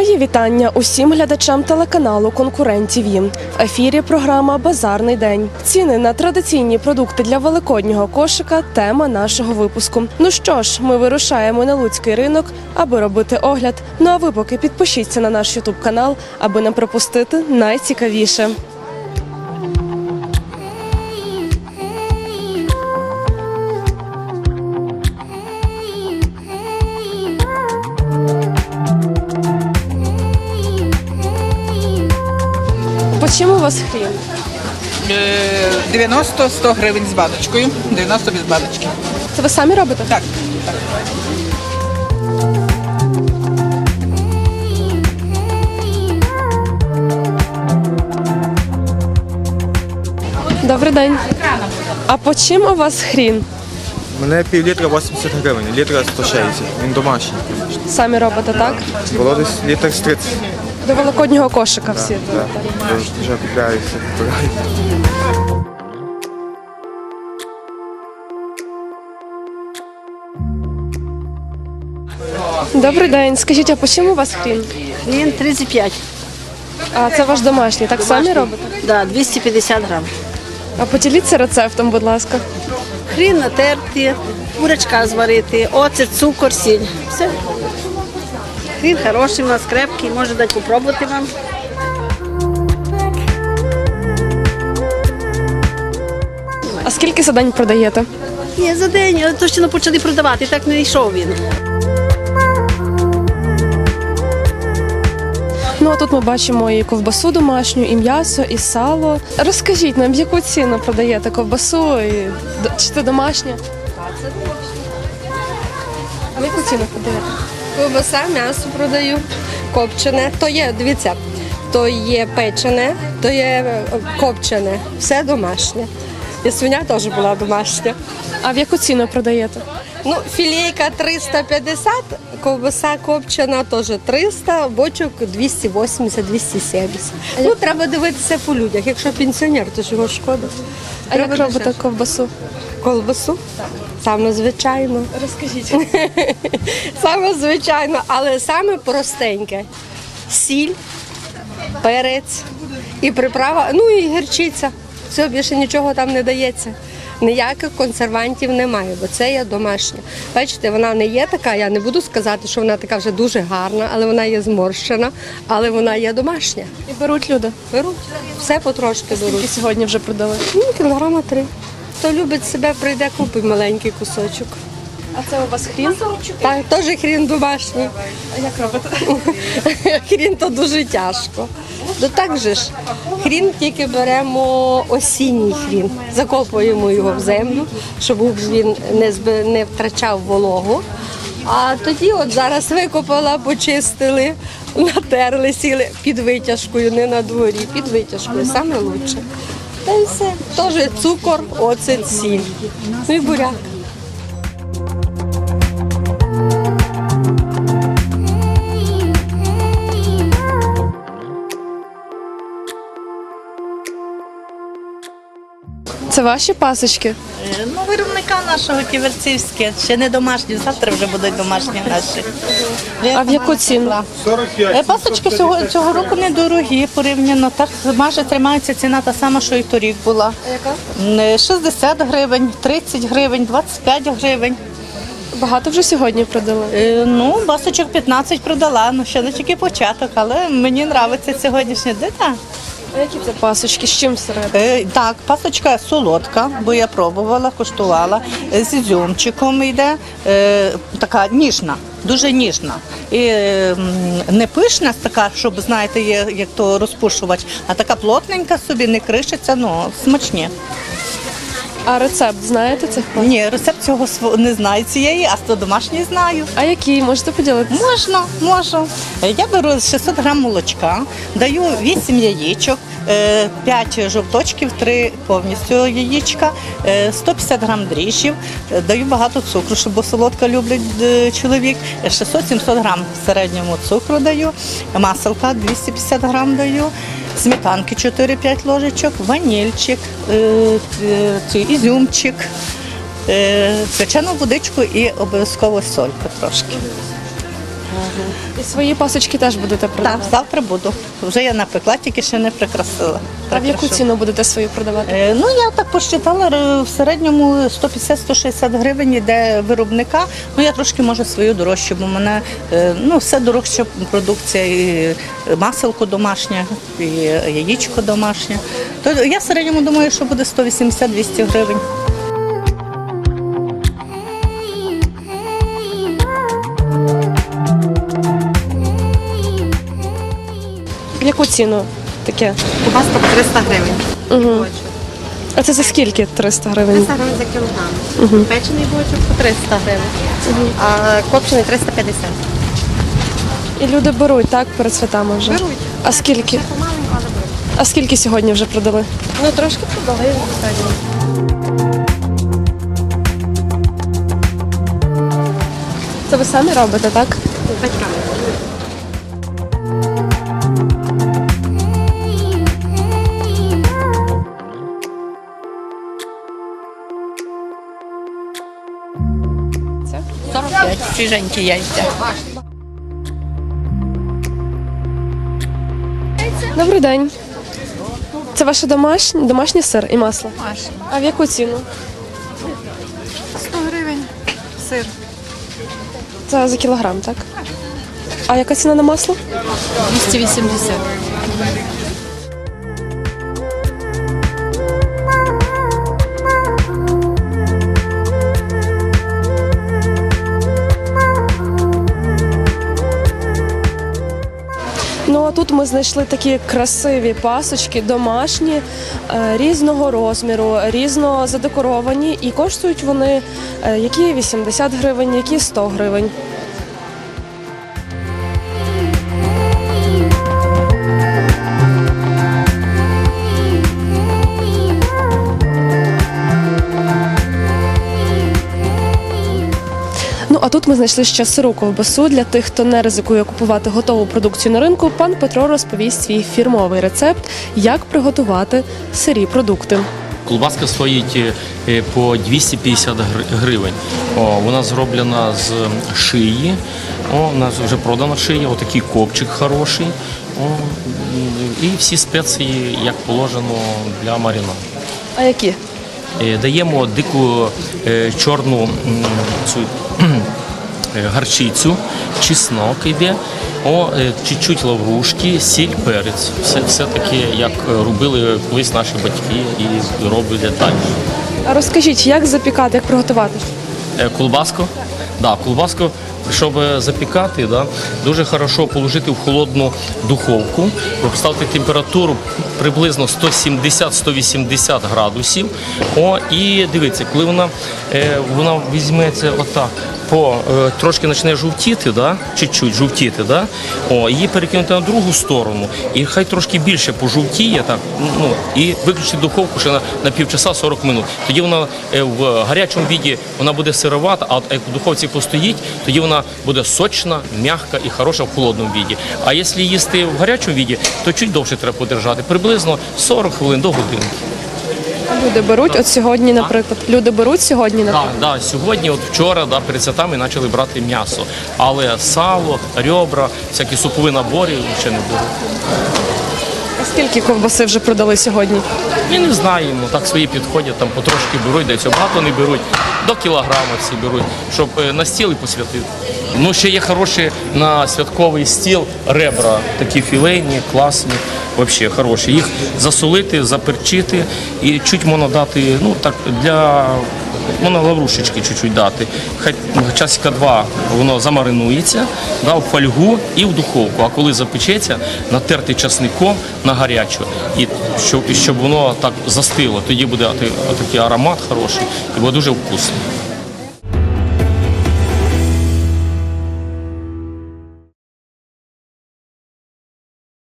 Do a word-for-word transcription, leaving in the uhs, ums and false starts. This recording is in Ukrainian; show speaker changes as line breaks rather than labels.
Мої вітання усім глядачам телеканалу «Конкурент ТІВІ». В ефірі програма «Базарний день». Ціни на традиційні продукти для великоднього кошика – тема нашого випуску. Ну що ж, ми вирушаємо на Луцький ринок, аби робити огляд. Ну а ви поки підпишіться на наш ютуб-канал, аби не пропустити найцікавіше. По чому у вас хрін?
дев'яносто - сто гривень з баночкою, дев'яносто без баночки.
Це ви самі робите?
Так.
Добрий день. А по чим у вас хрін?
У мене пів літра вісімдесят гривень, літра сто шістдесят. Він домашній.
Самі робите, так?
Було десь літр з тридцять.
До великоднього кошика всі.
Так, вже, вже купляюся, купляю.
Добрий день. Скажіть, а по чому у вас хрін?
Він тридцять п'ять.
А це ваш домашній, так самі робите?
Да, двісті п'ятдесят грам.
А поділіться рецептом, будь ласка.
Хрін натерти, бурячка зварити, оцет, цукор, сіль. Все. Хрін хороший, у нас крепкий, може дати попробувати вам.
А скільки за день продаєте?
Ні, за день, але то ще не почали продавати, так не йшов він.
Ну, а тут ми бачимо і ковбасу домашню, і м'ясо, і сало. Розкажіть нам, в яку ціну продаєте ковбасу, і... д- чи це домашнє? А в яку ціну продаєте?
Ковбаса, м'ясо продаю, копчене. То є, дивіться, то є печене, то є е, копчене, все домашнє. І свиня теж була домашня.
А в яку ціну продаєте?
Ну, філейка триста п'ятдесят, ковбаса копчена теж триста, бочок двісті вісімдесят - двісті сімдесят. Ну, треба дивитися по людях. Якщо пенсіонер, то ж його шкода.
А як
Треба
робите
дешевше.
ковбасу?
Колбасу? Саме звичайно.
Розкажіть.
Саме звичайно, але саме простеньке. Сіль, перець і приправа, ну і гірчиця. Все, більше нічого там не дається. Ніяких консервантів немає, бо це є домашня. Бачите, вона не є така, я не буду сказати, що вона така вже дуже гарна, але вона є зморщена, але вона є домашня.
І беруть люди.
Беруть, все потрошки
Скільки
беруть.
сьогодні вже продали?
Ну, кілограма три. Хто любить себе, прийде, купить маленький кусочок.
А це у вас хрін?
Так, теж хрін домашній.
А як робите?
Хрін то дуже тяжко. То так же ж, хрін тільки беремо осінній хрін, закопуємо його в землю, щоб він не, зби- не втрачав вологу. А тоді от зараз викопала, почистили, натерли, сіли під витяжкою, не на дворі, під витяжкою, саме лучше. Та й все. Теж цукор, оцет, сіль. Ну і буряк.
Це ваші пасочки?
Ну, виробника нашого ківерцівське, ще не домашні, завтра вже будуть домашні наші.
А в яку ціну?
Е, Пасочки цього, цього року недорогі порівняно, так майже тримається ціна та сама, що і торік була. Яка? шістдесят гривень, тридцять гривень, двадцять п'ять гривень.
Багато вже сьогодні продали?
Е, Ну, пасочок п'ятнадцять продала, ну ще не тільки початок, але мені подобається сьогоднішній день. так.
А які це пасочки? З чим всередині?
Е, Так, пасочка солодка, бо я пробувала, куштувала. Е, З ізюмчиком йде, е, така ніжна, дуже ніжна. І е, м, не пишна така, щоб, знаєте, є як то розпушувач, а така плотненька собі, не кришиться, ну, смачні.
А рецепт знаєте цих пасок?
Ні, рецепт цього сво- не знаю цієї, а то домашньої знаю.
А які? Можете поділитися?
Можна, можу. Е, Я беру шістсот грам молочка, даю вісім яєчок, е, п'ять жовточків, три повністю яєчка, е, сто п'ятдесят грам дріжджів, е, даю багато цукру, щоб бо солодка люблять е, чоловік, шістсот - сімсот грам в середньому цукру даю, маселка двісті п'ятдесят грам даю, сметанки чотири-п'ять ложечок, ванільчик, е, е, цей ізюмчик, е, свячену водичку і обов'язково солька трошки.
І свої пасочки теж будете
Так,
продавати?
завтра буду. Вже я напекла, тільки ще не прикрасила.
А в яку
Прикрашу.
ціну будете свої продавати?
Е, Ну, я так посчитала, е, в середньому сто п'ятдесят - сто шістдесят гривень йде виробника. Ну, я трошки, може, свою дорожчу, бо в мене е, ну, все дорожча продукція, і маселко домашнє, і яєчко домашнє. То я в середньому думаю, що буде сто вісімдесят - двісті гривень.
В яку ціну таке?
Кубаска по триста гривень.
Угу. А це за скільки триста гривень?
триста гривень за кілограм. Печений бочок по триста гривень, а копчений триста п'ятдесят.
І люди беруть, так, перед святами вже?
Беруть.
А скільки?
Помаленько, але беруть.
А скільки сьогодні вже продали?
Ну, трошки продали сьогодні.
Це ви самі робите, так?
Батьками.
сорок п'ять, свіженькі яйця.
Добрий день. Це ваше домашнє, домашній сир і масло?
Домашні.
А в яку ціну?
сто гривень сир.
Це за кілограм, так? А яка ціна на масло?
двісті вісімдесят.
Ну а тут ми знайшли такі красиві пасочки, домашні, е, різного розміру, різно задекоровані, і коштують вони е, які вісімдесят гривень, які сто гривень. Ну а тут ми знайшли ще сиру ковбасу. Для тих, хто не ризикує купувати готову продукцію на ринку, пан Петро розповість свій фірмовий рецепт, як приготувати сирі продукти.
Колбаска стоїть е, по двісті п'ятдесят гри- гривень. О, вона зроблена з шиї. О, у нас вже продана шия, отакий копчик хороший. О, і всі спеції, як положено для марінаду.
А які?
Е, Даємо дику е, чорну м, цю кхм, е, гарчицю, чеснок йде, о, е, чуть-чуть лаврушки, сіль, перець. Все, все таке, як робили колись наші батьки і роблять далі.
А розкажіть, як запікати, як приготувати?
Е, Колбаску? Да, колбаску, щоб запікати, да, дуже хорошо положити в холодну духовку, поставити температуру приблизно сто сімдесят - сто вісімдесят градусів. О, і дивіться, коли вона, е, вона візьметься отак, по, е, трошки почне жовтіти, да, чуть-чуть жовтіти, да, о, її перекинути на другу сторону, і хай трошки більше пожовтіє, так, ну, і виключити духовку ще на, на півчаса сорок минут. Тоді вона е, в гарячому віді вона буде сировата, а от як в духовці постоїть, тоді вона буде сочна, м'яка і хороша в холодному віді. А якщо їсти в гарячому віді, то чуть довше треба подержати, приблизно сорок хвилин до годинки.
Люди беруть, от сьогодні, наприклад, люди беруть сьогодні,
Так,
наприклад.
да, сьогодні, от вчора, да, перед святами почали брати м'ясо, але сало, ребра, всякі супові набори ще не було.
А скільки ковбаси вже продали сьогодні?
Ми не знаємо, так свої підходять, там потрошки беруть, десь багато не беруть, до кілограма всі беруть, щоб е, на стіл і посвятити. Ну, ще є хороші на святковий стіл ребра, такі філейні, класні, взагалі хороші. Їх засолити, заперчити і чуть можна дати, ну так, для, можна лаврушечки чуть-чуть дати. Хай часика два воно замаринується, да, в фольгу і в духовку. А коли запечеться, натерти часником на гарячу, і щоб, і щоб воно так застило. Тоді буде отакий аромат хороший і буде дуже вкусно.